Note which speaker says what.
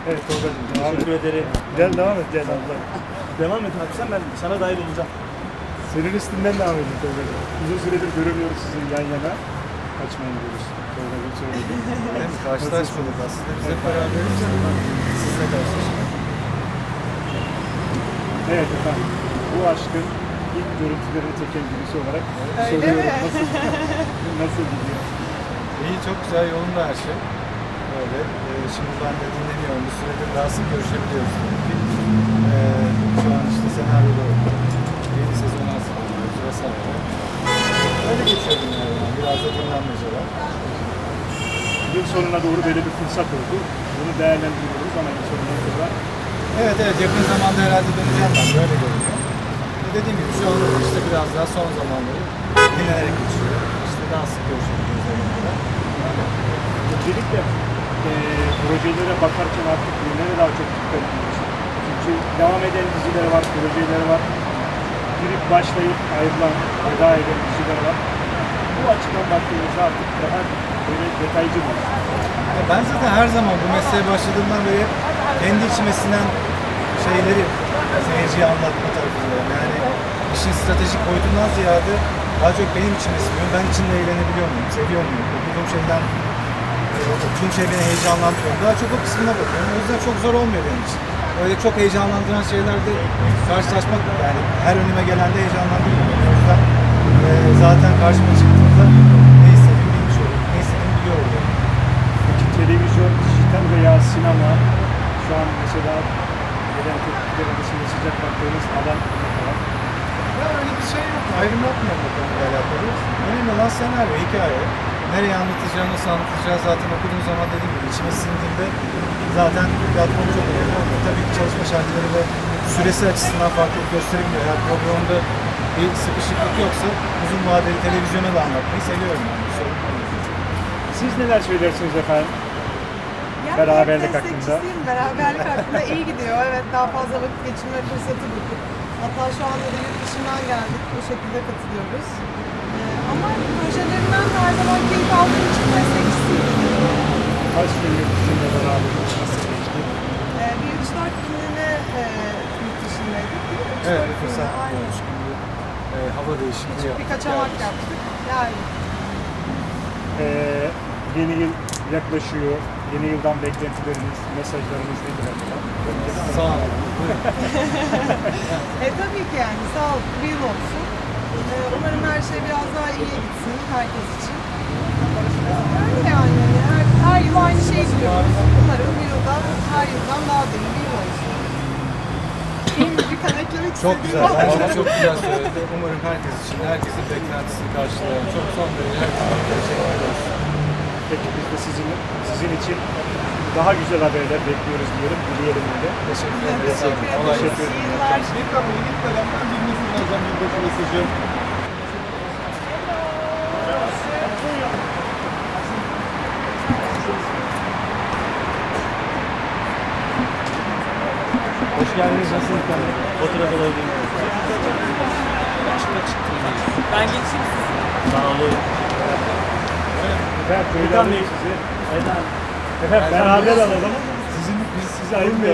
Speaker 1: Evet Tolga'cığım devam et.
Speaker 2: Teşekkür ederim.
Speaker 1: Gel devam et gel abla.
Speaker 2: Devam et abi sen, ben sana dahil olacağım.
Speaker 1: Senin üstünden devam edin Tolga'cığım. Uzun süredir göremiyoruz sizi yan yana. Kaçmayın diyoruz. Tolga'cığım söyledi.
Speaker 3: Hem karşılaşmadık aslında. Biz hep beraberiz ama sizle karşılaştık.
Speaker 1: Evet efendim. Bu aşkın ilk görüntülerini çeken birisi olarak
Speaker 4: Öyle
Speaker 1: soruyorum.
Speaker 4: mi?
Speaker 1: Nasıl gidiyor?
Speaker 3: İyi, çok güzel, yolunda her şey. Öyle. Şimdi ben de dinleniyorum. Bir süredir daha sık görüşebiliyoruz tabii ki. Şu an işte senaryoda yeni sezon hazırlanıyoruz vesaire. Öyle geçiyor günler yani. Biraz da dinlenmece var.
Speaker 1: Yıl sonuna doğru böyle bir fırsat oldu. Bunu değerlendiriyoruz ama yıl sonuna kadar
Speaker 3: Evet, yakın zamanda herhalde döneceğim ben. Böyle görünüyor. Dediğim gibi şu an işte biraz daha son zamanları dinlenerek geçiyor. İşte daha sık görüşebiliyoruz yanında.
Speaker 1: öncelikle projelere bakarken artık nereye daha çok dikkat ediyorsun? Çünkü devam eden diziler var, projeler var. Girip başlayıp ayrılan, veda eden diziler var. Bu açıdan baktığımızda artık daha böyle detaycı mı?
Speaker 3: Ben zaten her zaman bu mesleğe başladığımdan beri hep kendi içime sinen şeyleri seyirciye anlatma tarafındayım. Yani işin stratejik boyutundan ziyade daha çok benim içime siniyor. Ben içinde eğlenebiliyor muyum, seviyor muyum? Okuduğum şeyden okuduğum şey beni heyecanlandırıyor. Daha çok o kısmına bakıyorum. O yüzden çok zor olmuyor benim için. Öyle çok heyecanlandıran şeylerde karşılaşmak, yani her önüme gelende heyecanlandırmıyor. O yüzden zaten karşıma çıktığında ne istediğimi bilmiş oluyorum. Ne istediğimi biliyor oluyorum.
Speaker 1: Peki televizyon, dijital veya sinema şu an mesela gelen tepkiler arasında sıcak baktığınız alan ne var?
Speaker 3: Ya öyle bir şey yok. Ayrım yapmıyorum bu konuyla alakalı. Önemli olan senaryo, hikaye. Nereye anlatacağı, nasıl anlatacağı zaten okuduğum zaman dediğim gibi içime sindiğinde zaten platform çok önemli olmuyor. Tabii ki çalışma şartları ve süresi açısından farklılık gösterebiliyor. Eğer programda bir sıkışıklık yoksa uzun vadeli televizyona da anlatmayı seviyorum yani. Sorun olmuyor.
Speaker 1: Siz neler söylersiniz efendim?
Speaker 4: Yani
Speaker 1: Beraberlik
Speaker 4: hep
Speaker 1: hakkında.
Speaker 4: destekçisiyim. Beraberlik hakkında iyi gidiyor. Evet, daha fazla vakit geçirme fırsatı bulduk. Hatta şu anda da yurt dışından geldik. Bu şekilde katılıyoruz. Ama projelerinden de her zaman keyif aldığım için destekçisiyim.
Speaker 1: Kaç gün yurt dışında beraber nasıl geçti?
Speaker 4: Bir 3-4 günlüğüne yurt dışındaydık. Değil mi? 3-4
Speaker 3: Evet, bir
Speaker 4: günlüğüne,
Speaker 3: fırsat
Speaker 4: aynen.
Speaker 3: olmuş gibi. Hava değişikliği
Speaker 4: Küçük bir kaçamak yaptık. Yani
Speaker 1: Yeni yıl yaklaşıyor. Yeni yıldan beklentileriniz, mesajlarınız nedir acaba?
Speaker 3: Sağ olun. Buyurun.
Speaker 4: tabii ki yani sağlıklı bir yıl olsun. Umarım her şey biraz daha iyiye gitsin herkes için. Öyle yani. Her yıl aynı şeyi diliyoruz. Umarım bir yılda her yıldan daha da iyi bir yıl olsun. İyi mi? Bir kan eklemek
Speaker 3: Çok
Speaker 4: istediğim
Speaker 3: güzel.
Speaker 4: var.
Speaker 3: Bence çok güzel söyledi. Umarım herkes için, herkesin beklentisini karşılayan çok son derece teşekkür ederiz.
Speaker 1: Peki biz de sizin için daha güzel haberler bekliyoruz diyelim. Dileyelim öyle.
Speaker 3: Teşekkür ederiz.
Speaker 4: Teşekkür
Speaker 3: Kolay
Speaker 4: ederiz.
Speaker 3: gelsin.
Speaker 4: İyi yıllar.
Speaker 5: Bir kamuoyu ilk kalemden bir mesaj alacağım, yılbaşı mesajı.
Speaker 2: Hoş geldiniz. Nasılsınız efendim? Fotoğraf alabilir miyim? Ben geçeyim siz. Sağ olun.
Speaker 1: Ben böyle
Speaker 2: Furkan Bey.
Speaker 1: alayım sizi.
Speaker 2: Eda.
Speaker 1: Efendim beraber alalım. Biz sizi ayırmayalım.